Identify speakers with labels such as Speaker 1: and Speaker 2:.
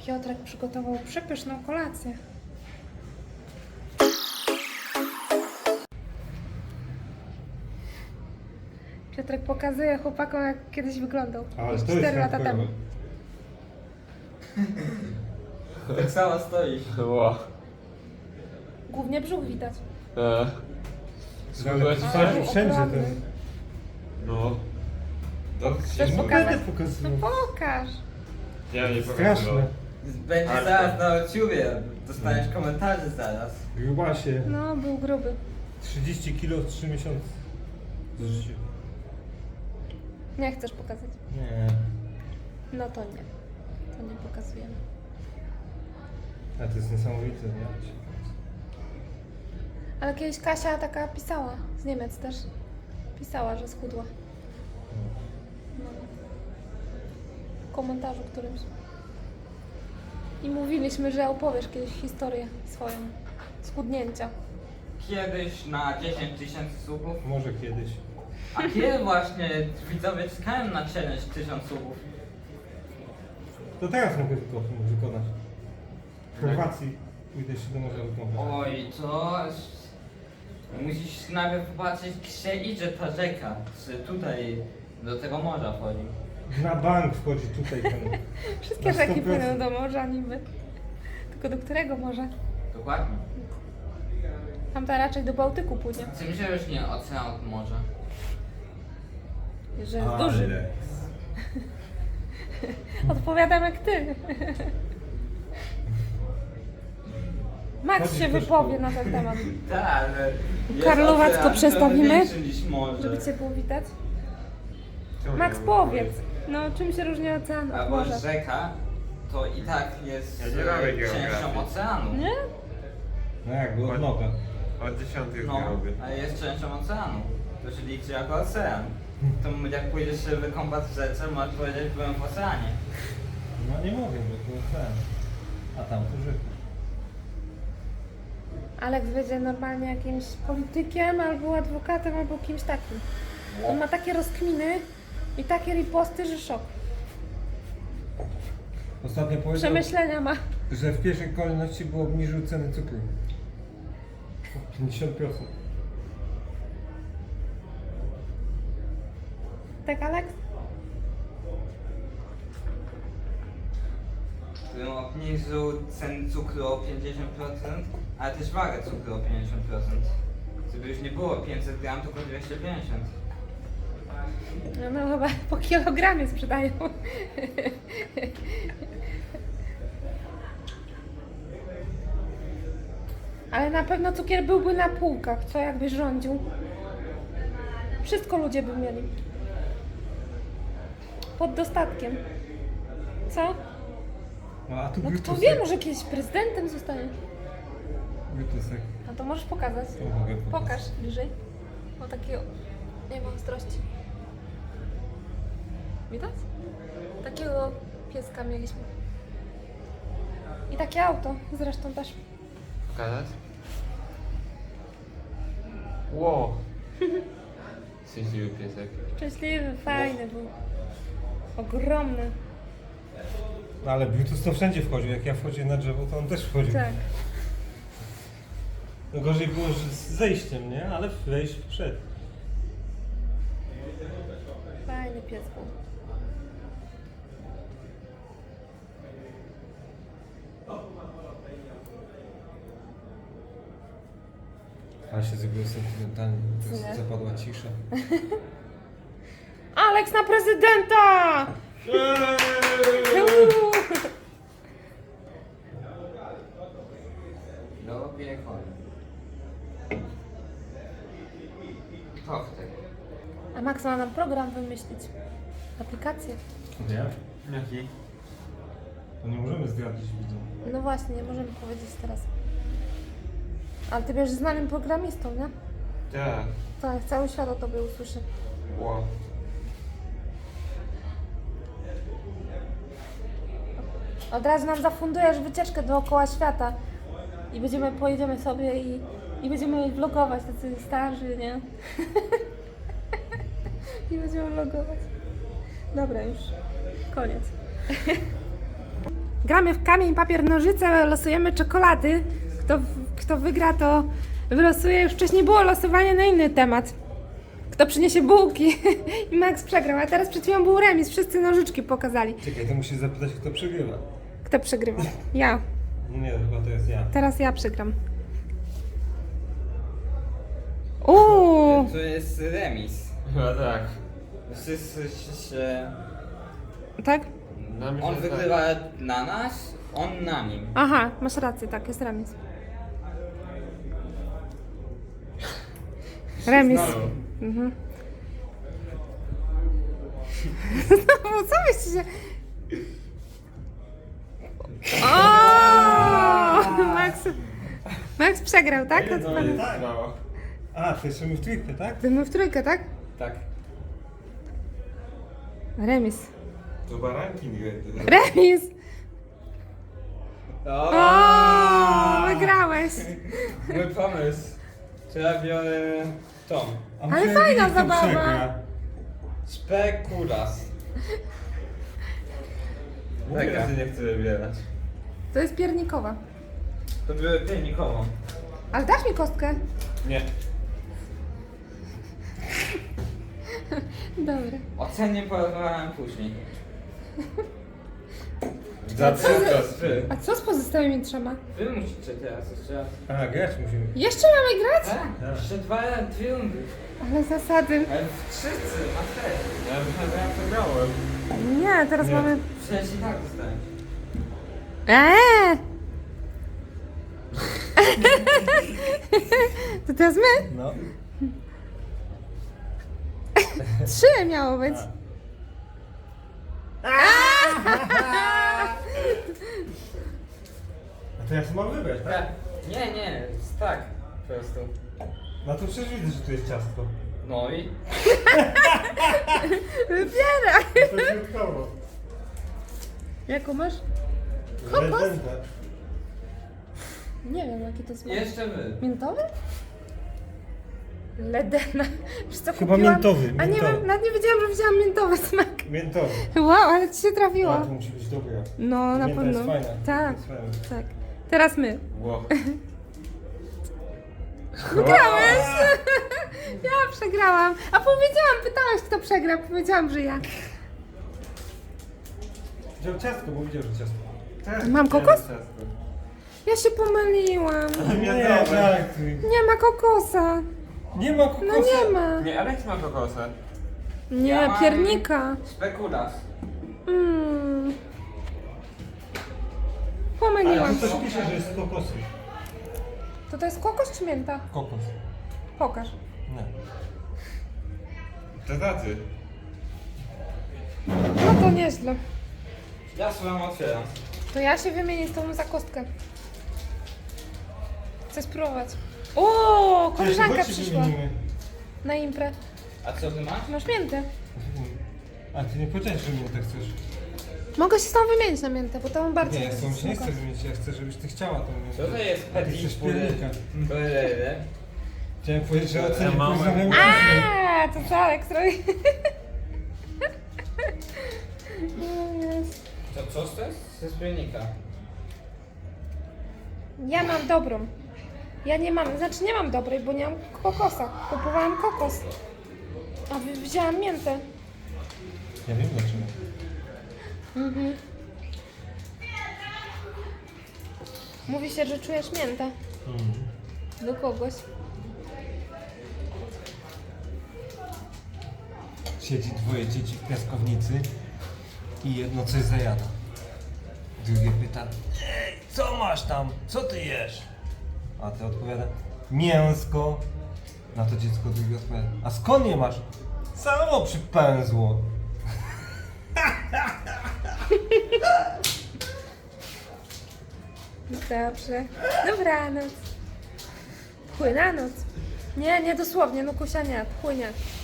Speaker 1: Piotrek przygotował przepyszną kolację. Piotrek pokazuje chłopakom, jak kiedyś wyglądał.
Speaker 2: Ale to
Speaker 1: 4
Speaker 2: jest
Speaker 1: lata temu.
Speaker 3: Tak samo stoisz.
Speaker 4: Ło.
Speaker 1: Głównie brzuch widać.
Speaker 2: Ale
Speaker 4: Zgubiła ci
Speaker 2: wsadził
Speaker 4: się?
Speaker 2: wszędzie
Speaker 1: ogromny.
Speaker 2: ten...
Speaker 4: No. To
Speaker 1: Chcesz
Speaker 4: się
Speaker 1: pokazać?
Speaker 2: Będę
Speaker 1: No
Speaker 2: pokazywał.
Speaker 1: pokaż.
Speaker 4: Ja nie
Speaker 2: Straszne.
Speaker 4: pokazuję.
Speaker 3: Będzie
Speaker 4: Ale-
Speaker 3: zaraz na YouTubie. Dostaniesz komentarze zaraz.
Speaker 2: Grubasie.
Speaker 1: No, był gruby.
Speaker 2: 30 kilo w 3 miesiące. Z życia.
Speaker 1: Nie chcesz pokazać.
Speaker 2: Nie.
Speaker 1: No to nie. To nie pokazujemy.
Speaker 2: A to jest niesamowite, nie?
Speaker 1: Ale kiedyś Kasia taka pisała, z Niemiec też. Pisała, że schudła. No. W komentarzu którymś. I mówiliśmy, że opowiesz kiedyś historię swoją schudnięcia.
Speaker 3: Kiedyś na 10 000 subów.
Speaker 2: Może kiedyś.
Speaker 3: A kiedy właśnie widzowie czekają na challenge 1000 subów?
Speaker 2: To teraz mogę wykonać. W Chorwacji pójdę się do morza wykąpać.
Speaker 3: Oj, to... Musisz najpierw popatrzeć, gdzie idzie ta rzeka. Czy tutaj do tego morza wchodzi.
Speaker 2: Na bank wchodzi tutaj ten...
Speaker 1: Wszystkie
Speaker 2: Na
Speaker 1: rzeki
Speaker 2: 100%.
Speaker 1: płyną do morza niby. Tylko do którego morza?
Speaker 3: Dokładnie.
Speaker 1: Tamta raczej do Bałtyku płynie.
Speaker 3: Czym się różni ocean od morza?
Speaker 1: Że jest duży. Odpowiadam jak ty. Max
Speaker 2: Chodzi
Speaker 1: się
Speaker 2: też
Speaker 1: wypowie
Speaker 2: po-
Speaker 1: na ten temat.
Speaker 3: Tak, ale... jest
Speaker 1: Karlowacko
Speaker 3: ocean
Speaker 1: przestawimy?
Speaker 3: trochę większy niż morze.
Speaker 1: Żeby cię było widać.
Speaker 4: Czemu
Speaker 1: Max,
Speaker 4: nie
Speaker 1: powiedz. No, czym się różni ocean od
Speaker 3: Albo
Speaker 1: morza?
Speaker 3: rzeka to i tak jest
Speaker 4: Ja nie robię
Speaker 3: częścią
Speaker 4: geografii.
Speaker 3: oceanu.
Speaker 1: Nie?
Speaker 2: No jakby od noga.
Speaker 4: Od 10 już
Speaker 3: No,
Speaker 4: nie robię.
Speaker 3: ale jest częścią oceanu. To się liczy jako ocean. To jak pójdziesz się wykąpać w rzece, możesz powiedzieć, byłem w oceanie.
Speaker 2: No nie mogę, bo to ten. A tam to rzeka.
Speaker 1: Alex będzie normalnie jakimś politykiem, albo adwokatem, albo kimś takim. On ma takie rozkminy i takie riposty, że szok.
Speaker 2: Ostatnio powiedział,
Speaker 1: Przemyślenia ma.
Speaker 2: że w pierwszej kolejności było obniżył ceny cukru. 50%.
Speaker 1: Tak, Alex?
Speaker 3: Którym obniżył ceny cukru o 50%, ale też wagę cukru o 50%. Żeby już nie było 500 gram, tylko 250.
Speaker 1: No chyba po kilogramie sprzedają. Ale na pewno cukier byłby na półkach, co jakbyś rządził. Wszystko ludzie by mieli. Pod dostatkiem. Co?
Speaker 2: No, a tu
Speaker 1: No kto
Speaker 2: Bluetooth.
Speaker 1: wie, może kiedyś prezydentem zostaniesz.
Speaker 2: Bluetooth.
Speaker 1: No to możesz pokazać.
Speaker 2: To mogę pokazać.
Speaker 1: Pokaż bliżej. O takiego. Nie ma ostrości. Widać? Takiego pieska mieliśmy. I takie auto zresztą też.
Speaker 4: Pokazać? Ło. Szczęśliwy piesek.
Speaker 1: Szczęśliwy, fajny był. Ogromny.
Speaker 2: No ale Bluetooth to wszędzie wchodził. Jak ja wchodziłem na drzewo, to on też wchodził.
Speaker 1: Tak.
Speaker 2: No gorzej było że z zejściem, nie? Ale wejść wszedł.
Speaker 1: Fajny pies był.
Speaker 2: Ale się zrobiło sentymentalnie.
Speaker 1: Nie.
Speaker 2: Teraz zapadła cisza.
Speaker 1: Alex na prezydenta! Uuu.
Speaker 3: Do piekła. To wtedy.
Speaker 1: A Max ma nam program wymyślić. Aplikację.
Speaker 2: Nie?
Speaker 4: Jaki?
Speaker 2: To nie możemy zdradzić widzom.
Speaker 1: No właśnie, nie możemy powiedzieć teraz. Ale ty będziesz znanym programistą, nie?
Speaker 4: Tak.
Speaker 1: Tak, cały świat o tobie usłyszy.
Speaker 4: Ło.
Speaker 1: Od razu nam zafundujesz wycieczkę dookoła świata. I pojedziemy sobie i będziemy vlogować, tacy starzy, nie? I będziemy vlogować. Dobra, już. Koniec. Gramy w kamień, papier, nożyce, losujemy czekolady. Kto wygra, to wylosuje. Już wcześniej było losowanie na inny temat. Kto przyniesie bułki i Max przegrał, a teraz przed chwilą był remis, wszyscy nożyczki pokazali.
Speaker 2: Czekaj, to musisz zapytać, kto przegrywa.
Speaker 1: Kto przegrywa? Ja.
Speaker 2: Nie, chyba to jest ja.
Speaker 1: Teraz ja przegram. Uuu,
Speaker 3: To jest remis.
Speaker 4: Chyba tak.
Speaker 3: Wszyscy się...
Speaker 1: tak?
Speaker 4: Na mnie
Speaker 3: On
Speaker 4: się
Speaker 3: wygrywa na nas, on na nim.
Speaker 1: Aha, masz rację, tak, jest remis. Remis.
Speaker 4: Znowu.
Speaker 1: Mhm. Znowu, co byście się... O! Max przegrał, tak?
Speaker 4: Tak?
Speaker 1: To
Speaker 4: No, jest
Speaker 2: Tak.
Speaker 4: mało.
Speaker 2: A, to jeszcze my w trójkę, tak?
Speaker 1: my w trójkę, tak?
Speaker 3: Tak.
Speaker 1: Remis.
Speaker 4: To baranki nie
Speaker 1: Remis! O, wygrałeś.
Speaker 3: Mój pomysł. To ja biorę tą.
Speaker 2: A
Speaker 1: Ale
Speaker 2: musimy
Speaker 1: fajna
Speaker 2: wiedzieć, kto
Speaker 1: zabawa.
Speaker 2: przegra.
Speaker 3: Spekulas.
Speaker 4: Mówię,
Speaker 3: Taka.
Speaker 4: że nie chcę wybierać.
Speaker 1: To jest piernikowa.
Speaker 3: To biorę piernikową.
Speaker 1: Ale dasz mi kostkę?
Speaker 4: Nie.
Speaker 1: Dobra.
Speaker 3: Ocenię porozmawiam później.
Speaker 4: Za
Speaker 1: co
Speaker 4: trzy
Speaker 1: za-
Speaker 4: kostry.
Speaker 1: A co z pozostałymi trzema?
Speaker 3: Wy musicie teraz jeszcze raz.
Speaker 2: A, grać musimy.
Speaker 1: Jeszcze mamy grać?
Speaker 3: Tak? Jeszcze dwie rundy.
Speaker 1: Ale zasady.
Speaker 3: Ale wszyscy, na też.
Speaker 4: Ja myślałem, że ja przegrałem.
Speaker 1: Nie, teraz
Speaker 2: Nie.
Speaker 1: mamy...
Speaker 3: Przecież i tak dostałem.
Speaker 1: To teraz my?
Speaker 2: No.
Speaker 1: 3 miało być.
Speaker 2: A to ja sobie mam wybrać, tak?
Speaker 3: Tak. Nie, tak. Po prostu.
Speaker 2: No to przecież widzę, że tu jest ciastko.
Speaker 3: No i?
Speaker 1: Wybieraj.
Speaker 2: To środkowo.
Speaker 1: Jaką masz? Kokos?
Speaker 2: Redenta.
Speaker 1: Nie wiem, jaki to jest smak.
Speaker 3: Jeszcze wy.
Speaker 1: Miętowy? Ledena. Wiesz co,
Speaker 2: Chyba
Speaker 1: kupiłam?
Speaker 2: miętowy,
Speaker 1: A nie,
Speaker 2: miętowy.
Speaker 1: nawet nie wiedziałam, że widziałam miętowy smak.
Speaker 2: Miętowy.
Speaker 1: Wow, ale ci się trafiło.
Speaker 2: A, to musi być dobre.
Speaker 1: No, na
Speaker 2: Mięta
Speaker 1: pewno.
Speaker 2: jest fajna.
Speaker 1: Tak,
Speaker 2: Jest fajna.
Speaker 1: tak. Teraz my.
Speaker 4: Ło.
Speaker 1: Wygrałeś! Ja przegrałam. A powiedziałam, pytałeś, kto przegra. Powiedziałam, że ja.
Speaker 2: Wziął ciastko, bo widział, że ciastko. Tak.
Speaker 1: Mam kokos?
Speaker 4: Ciastko.
Speaker 1: Ja się pomyliłam.
Speaker 2: Nie, żartuj.
Speaker 1: Nie ma kokosa.
Speaker 2: Nie ma kokosa.
Speaker 1: No nie ma.
Speaker 4: Nie, Alex ma kokosa.
Speaker 1: Nie,
Speaker 3: Ja mam-
Speaker 1: piernika.
Speaker 3: Spekulas.
Speaker 1: Mm.
Speaker 2: Ale
Speaker 1: Pomyliłam
Speaker 2: tu
Speaker 1: się.
Speaker 2: coś pisze, że jest z kokosy.
Speaker 1: To jest kokos czy mięta?
Speaker 2: Kokos.
Speaker 1: Pokaż.
Speaker 2: Nie.
Speaker 4: To tacy.
Speaker 1: No to nieźle.
Speaker 3: Ja swoją otwieram.
Speaker 1: To ja się wymienię z tobą za kostkę. Chcę spróbować. O, koleżanka
Speaker 2: Chodź się
Speaker 1: przyszła
Speaker 2: wymienimy.
Speaker 1: na imprę.
Speaker 3: A co ty masz?
Speaker 1: Masz miętę.
Speaker 2: A ty nie powiedziałeś, że mnie tak chcesz.
Speaker 1: Mogę się z tobą wymienić na miętę, bo to mam bardziej.
Speaker 2: Nie, ja z tobą się nie
Speaker 1: smakowe.
Speaker 2: chcę wymienić, ja chcę, żebyś ty chciała to mieć.
Speaker 3: Co to jest
Speaker 2: Ty
Speaker 3: petit
Speaker 2: chcesz
Speaker 3: pour
Speaker 2: piernika.
Speaker 3: le-
Speaker 2: Chciałem powiedzieć, że ocenię
Speaker 4: mam-
Speaker 2: poziomem
Speaker 1: A, to co Aleks robi? No jest.
Speaker 3: Co to jest? Ze spiernika.
Speaker 1: Ja mam dobrą. Ja nie mam, znaczy nie mam dobrej, bo nie mam kokosa. Kupowałam kokos. A wzięłam miętę.
Speaker 2: Ja wiem dlaczego.
Speaker 1: Mhm. Mówi się, że czujesz miętę do kogoś.
Speaker 2: Siedzi dwoje dzieci w piaskownicy i jedno coś zajada. Drugie pyta, ej, co masz tam? Co ty jesz? A ty odpowiada, mięsko. Na to dziecko drugie odpowiada, a skąd je masz? Samo przypęzło.
Speaker 1: Dobrze. Dobranoc. Płynanoc. Nie, nie dosłownie, no kusia nie, płynie.